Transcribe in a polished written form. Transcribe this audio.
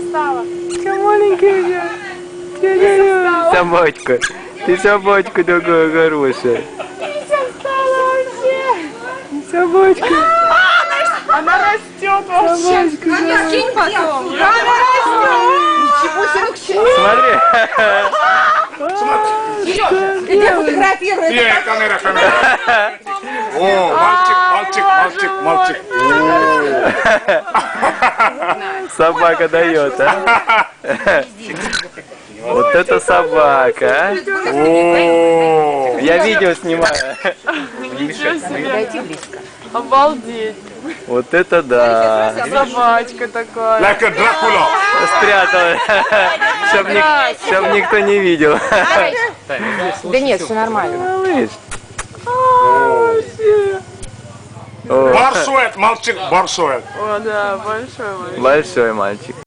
стала? Что маленький я? Собачка. Ты собачка такая хорошая. Сейчас стала вообще. Собачка. Она растет вообще. Скинь потом. Да, она растет. Ничего себе, иди фотографируй. Камера. О, мальчик. Собака дает, а? Вот это собака, а? О, Я видео снимаю. Подойди близко. Обалдеть. Вот это да. Собачка такая. like a Dracula. Спрятала. Чтоб никто не видел. Да нет, все нормально. Малыш. Барсует, мальчик, барсует. О, да, большой. Большой мальчик.